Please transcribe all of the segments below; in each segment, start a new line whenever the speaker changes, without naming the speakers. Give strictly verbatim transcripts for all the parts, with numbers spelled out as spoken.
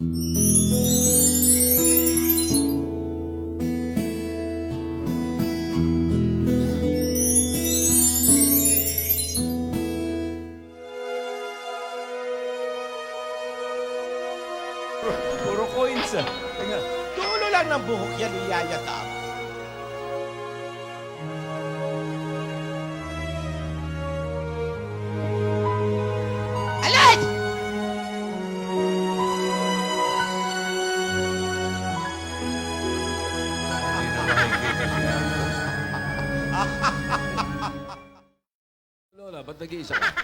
Puro coins ah. Teka.
Dulo lang ng buhok yan ni Yaya Dab. Alay!
Hindi na makikita siya. Lola, ba't nag-iisa ka?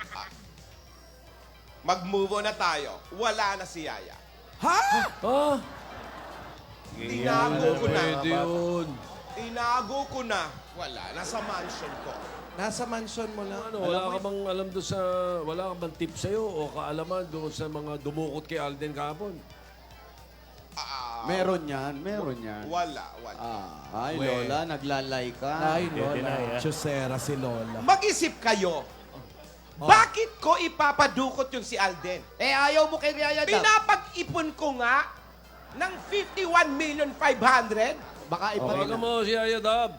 Mag-move on na tayo. Wala na si Yaya.
Ah!
Tinago ko na.
Pwede yun.
Tinago ko na. Wala. Nasa mansion ko.
Nasa mansion mo lang.
Ano, wala ka bang alam doon sa... Wala ka bang tip sa'yo o kaalaman doon sa mga dumukot kay Alden kahapon?
Ah,
Meron yan, meron yan.
wala. Wala.
Ah, ay, Lola, naglalay ka.
Ay, Lola. Chusera si Lola.
Mag-isip kayo. Bakit ko ipapadukot yung si Alden?
Eh, ayaw mo kay Yaya Dab.
Pinapag-ipon ko nga ng fifty-one million five hundred.
Baka ipa
Tawagan mo si Yaya Dab.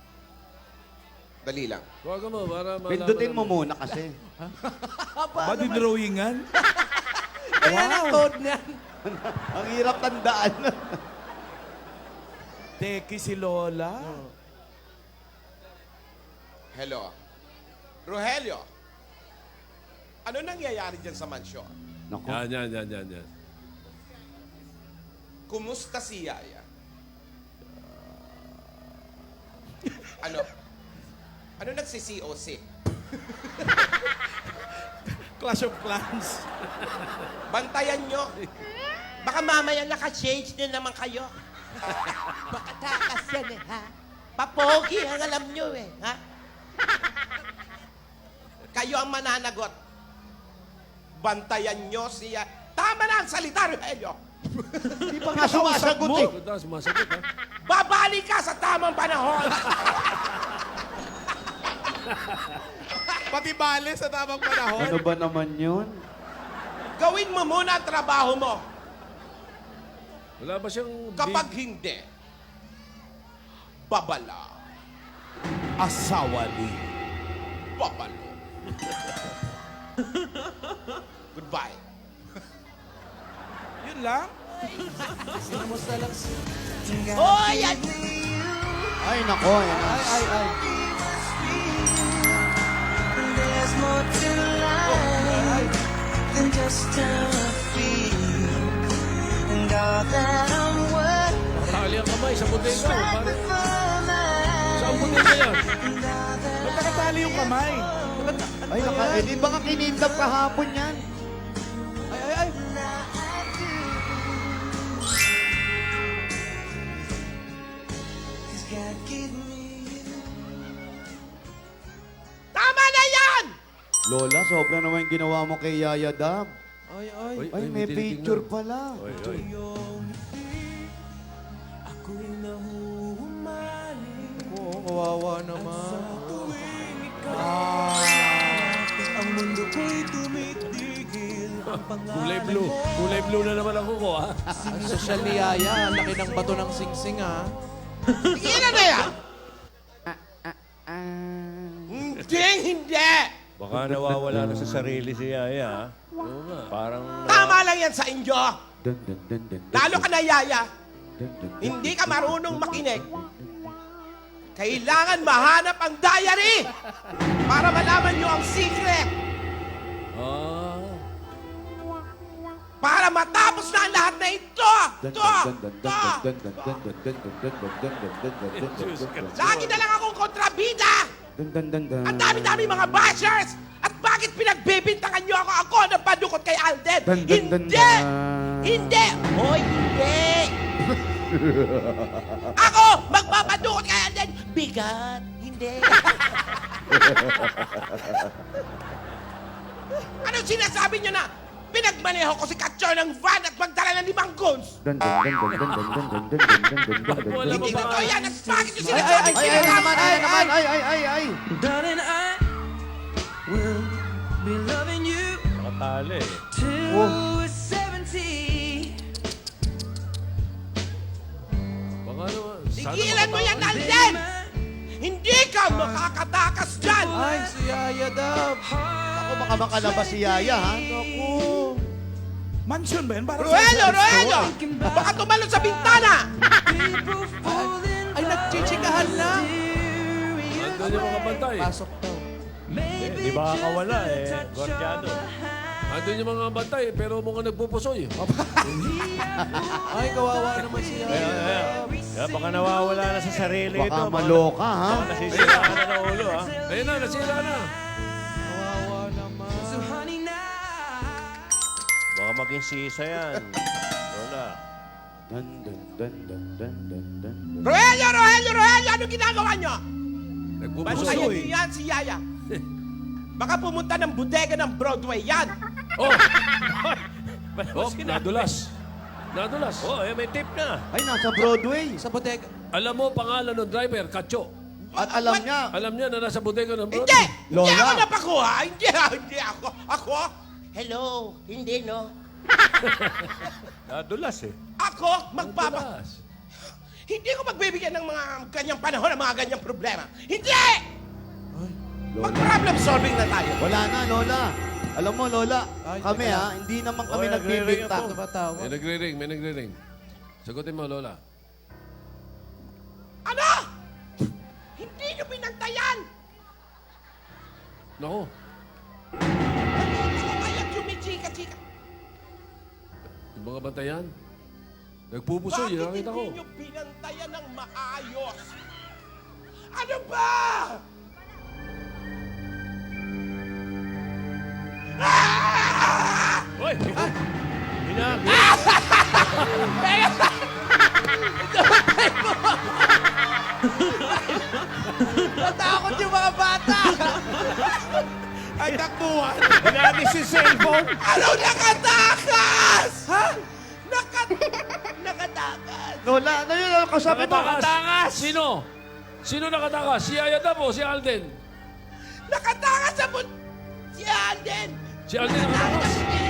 Dali lang.
Tawagan mo para malaman
Pindutin mo
namin.
muna kasi.
Ba, drawingan?
Ayan ang code niyan. Ang hirap tandaan.
Teki si Lola.
Hello. Rogelio. Ano nangyayari dyan sa mansyon?
Naku.
Yan, yan, yan, yan, yan.
Kumusta si Yaya? Ano? Ano nagsi-C O C?
Clash of Clans.
Bantayan nyo. Baka mamaya naka-change din naman kayo. Baka takas yan eh, ha? Papogi ang alam nyo eh, ha? Kayo ang mananagot. Bantayan nyo siya. Tama na ang salita, Rogelio.
Hindi pa nga sumasagot eh.
Ito, sumasagot ha.
Babalik ka sa tamang panahon.
Pati bale sa tamang panahon.
Ano ba naman yun?
Gawin mo muna ang trabaho mo.
Wala ba siyang...
Kapag
big-
hindi, babala.
Asawa ni.
Babalo. Goodbye.
Yun lang?
Oh, yan!
Ay, nako. Yan. Ay, ay, ay.
There's more to life than just a feeling. And all that I'm worth
Tali ang kamay sa bodega.
right
Parang...
before my
Saan bodega yan?
and all that
Ba't nakatali yung kamay?
Ay, naka, eh, di ba nga kinindap kahapon yan?
Ay, ay, ay.
I do is God give me you.
Tama na yan!
Lola, sobra naman yung ginawa mo kay Yaya Dab.
Ay, ay.
Uy,
Ay, may
tinitingnan.
picture pala.
Oy, oy.
Ako'y nahuhumali
Oo, kawawa naman.
ang mundo ko'y tumitigil. Ang
Kulay blue. Kulay blue na naman ako ko ha.
Ang sosyal ni Yaya. Ang laki ng bato ng singsing, ha?
Ilan na yan?
Ah,
Hindi, hindi!
Baka nawawala na sa sarili si Yaya. ah.
Oo nga.
Parang...
Tama lang yan sa inyo.
dun, dun, dun, dun, dun,
Lalo ka na, Yaya.
dun, dun, dun.
Hindi ka marunong makinig. Kailangan mahanap ang diary para malaman nyo ang secret.
Ah.
Para matapos na ang lahat na ito.
Dun,
Ito.
dun, dun,
Ito.
dun, dun, dun, dun, dun, dun, dun, dun, dun, dun, dun, dun, dun, dun, dun, dun.
Lagi na lang akong kontrabida.
Dun, dun, dun, dun.
Ang dami-dami mga bashers. At bakit pinagbibintangan nyo ako? Ako ang padukot kay Alden.
Dun, dun, dun,
Hindi!
dun.
Hindi! Hoy, hindi! Ako! Magpapadukot kay Alden! Bigat! Hindi! Anong sinasabi nyo na? Pinagmaneho ko si Katyo ng van at magdala ng limang guns!
Dun, dun, dun, dun, dun, dun, dun, dun, dun, dun, dun, dun, dun, dun,
Wala
dun.
ba
Hindi
ba?
totoo yan! At bakit nyo
Ay, ay,
sinasabi
ay, ay, ay, naman, ay, naman, ay, ay, ay, ay.
Darling, I will be loving you
Nakatali eh.
till
Oh.
we're seventy.
Tigilan mo yan, Alden! Hindi ka makakatakas dyan!
Ay, si Yaya Dab.
Ako, baka makalabas si Yaya, ha?
Naku.
Mansion ba yan? Parang
Roelio, Roelio! Baka tumalon sa bintana!
Ay, nagchichikahan na.
Nandun yung mga bantay.
Pasok daw.
Eh, di ba kakawala eh, Gordiano.
Nandun yung mga bantay, pero mukhang nagpupusoy.
Ay, kawawa naman si
Kaya,
Yaya
kaya,
Dab.
kaya baka nawawala na sa sarili ito.
Baka
Baka-
maloka, ha?
Baka nasisiraan na ng ulo, ha?
Ayun na, nasira na.
Kawawa naman.
Baka maging sisa yan. Lola.
Dun, dun, dun, dun, dun, dun, dun, dun.
Roelio, Roelio, Roelio! Anong ginagawa nyo?
Nagpupusoy.
Bantayan niyo yan si Yaya. Baka pumunta ng bodega ng Broadway yan.
Oh,
Ba't
oh,
mo sinabi?
nadulas. Nadulas.
Oh, eh, may tip na.
Ay, nasa Broadway.
Sa bodega.
Alam mo pangalan ng driver, Kacho.
At alam niya,
Alam niya na nasa bodega ng
Hindi!
Broadway.
Hindi
Lola.
ako napakuha! Hindi, hindi ako! Ako? Hello? Hindi, no?
Nadulas eh.
Ako? Magpapa...
Nadulas.
Hindi ko magbibigyan ng mga ganyang panahon ng mga ganyang problema. Hindi!
Lola.
Mag-problem solving na tayo.
Wala na, Lola. Alam mo, Lola,
Ay,
kami
teka.
ha, hindi naman kami
Oy,
nagbibinta.
nagre-ring
Ito ba tawag?
May nagre-ring, may nagre-ring. Sagutin mo, Lola.
Ano? Hindi nyo pinantayan!
Nako,
Hindi ko kaya chumichika-chika.
yung mga bantayan. Nagpupusoy,
Bakit
nakita ko.
hindi nyo pinantayan ng maayos? Ano ba?
Hoy! Hinagi.
Natakot yung mga bata! Ay, takbuhan!
Hinagi si cellphone.
Ano nakatakas? Ha? Nakat... nakatakas!
Lola, ano yun? Ano kasabi mo?
Nakatakas! Sino? Sino nakatakas? Si Ayadab o si Alden?
Nakatakas sa bun... Si Alden!
Si Alden nakatakas.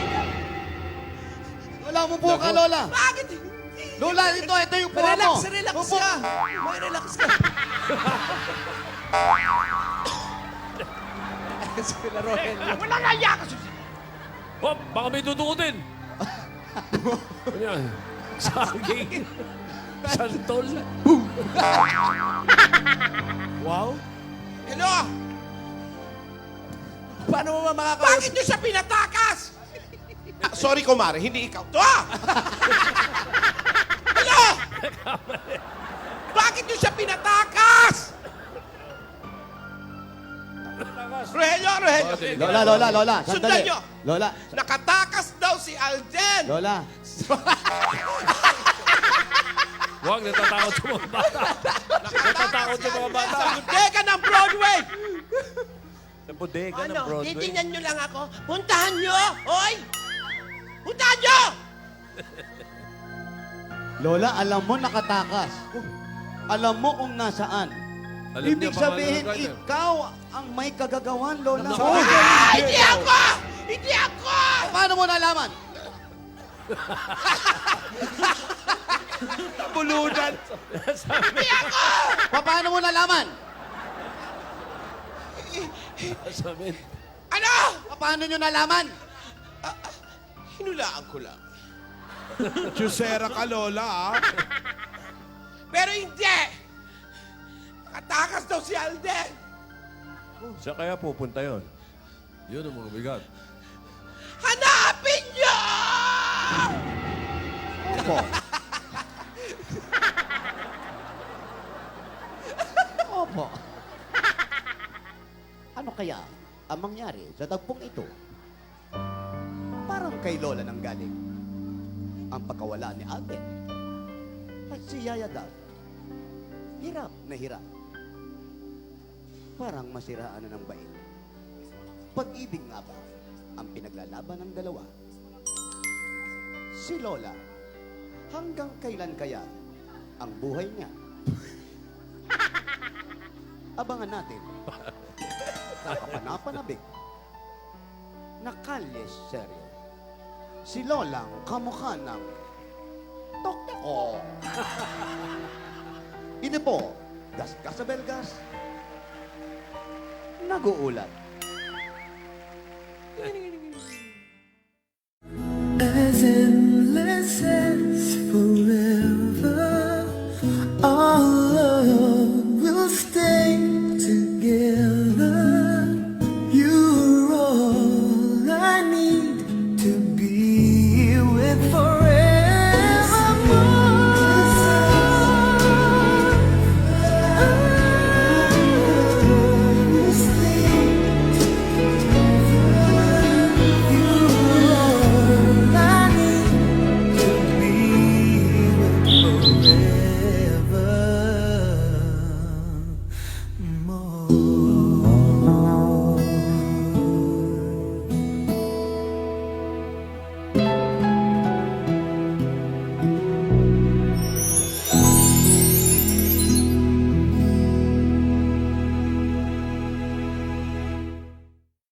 Lola, umupo ka, Lola.
Bakit hindi?
Lola, ito, ito yung puha mo.
Relax, relax
Upo.
ka! May relax ka!
Sila Rogelio.
Wala nga iya ka!
Oh, baka may tutukutin. Ano yan? Saging. Santol.
Wow.
Hello?
Paano mo ba makakausap?
Bakit niyo siya pinatakas? Ah, sorry, kumare. Hindi ikaw. To! ah! Hello? Bakit niyo siya pinatakas? Rogelio, Rogelio.
Lola, Lola, Lola,
Sundan
sandali.
niyo.
Lola,
Nakatakas daw si Alden.
Lola.
Huwag, natatakot sa mga bata. Natatakot sa mga bata.
Sa bodega ng Broadway.
Sa bodega ng
Ano?
Broadway.
Titingnan niyo lang ako. Puntahan niyo. Hoy! Puntahan niyo!
Lola, alam mo nakatakas. Alam mo kung nasaan.
Alam niya
Ibig
pangalan
sabihin,
ng driver.
ikaw ang may kagagawan, Lola.
Ah, hindi ako! Hindi ako!
Paano mo nalaman?
Bulunan. Hindi ako!
Pa- Paano mo nalaman?
Sabi,
Ano?
Pa- Paano nyo nalaman?
Hinulaan ko lang.
Chusera ka, Lola, ah.
Pero hindi! Nakatakas daw si Alden.
Saan kaya pupunta yon?
yun ang mga bigat.
Hanapin niyo!
Opo. Opo. Ano kaya ang mangyari sa tagpong ito? Parang kay Lola nang galing ang pagkawala ni Alden. At si Yaya Dab, hirap na hirap. Parang masiraan na ng bait. Pag-ibig nga ba ang pinaglalaban ng dalawa? Si Lola, hanggang kailan kaya ang buhay niya? Abangan natin. Nakapanapanabik. Nakalye seryo. Si Lolang kamukha ng Tok-Tok. Ito po, Gasgas sa Belgas. Nag-uulat.
As in